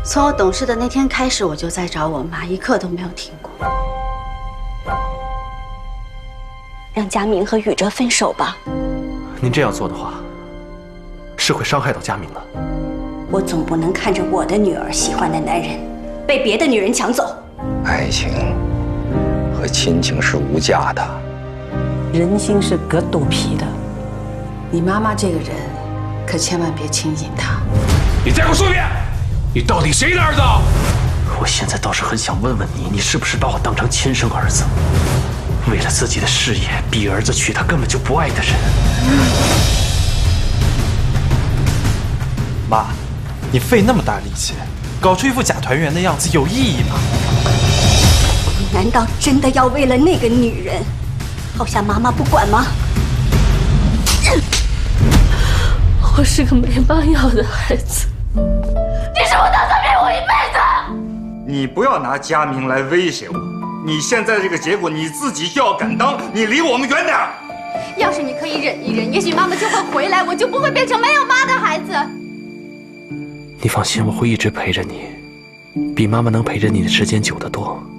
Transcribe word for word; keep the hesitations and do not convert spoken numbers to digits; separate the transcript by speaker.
Speaker 1: 从我懂事的那天开始，我就在找我妈，一刻都没有停过。
Speaker 2: 让佳明和宇哲分手吧。
Speaker 3: 您这样做的话，是会伤害到佳明的。
Speaker 2: 我总不能看着我的女儿喜欢的男人被别的女人抢走。
Speaker 4: 爱情和亲情是无价的，
Speaker 5: 人心是隔肚皮的。你妈妈这个人，可千万别轻信她。
Speaker 6: 你再给我说一遍，你到底谁的儿子？
Speaker 3: 我现在倒是很想问问你，你是不是把我当成亲生儿子？为了自己的事业，逼儿子娶他根本就不爱的人。
Speaker 7: 妈，你费那么大力气，搞出一副假团圆的样子，有意义吗？
Speaker 2: 你难道真的要为了那个女人，抛下妈妈不管吗？
Speaker 8: 我是个没妈要的孩子，你是我打算陪我一辈子。
Speaker 9: 你不要拿佳明来威胁我，你现在这个结果你自己就要敢当，你离我们远点。
Speaker 8: 要是你可以忍一忍，也许妈妈就会回来，我就不会变成没有妈的孩子。
Speaker 3: 你放心，我会一直陪着你，比妈妈能陪着你的时间久得多。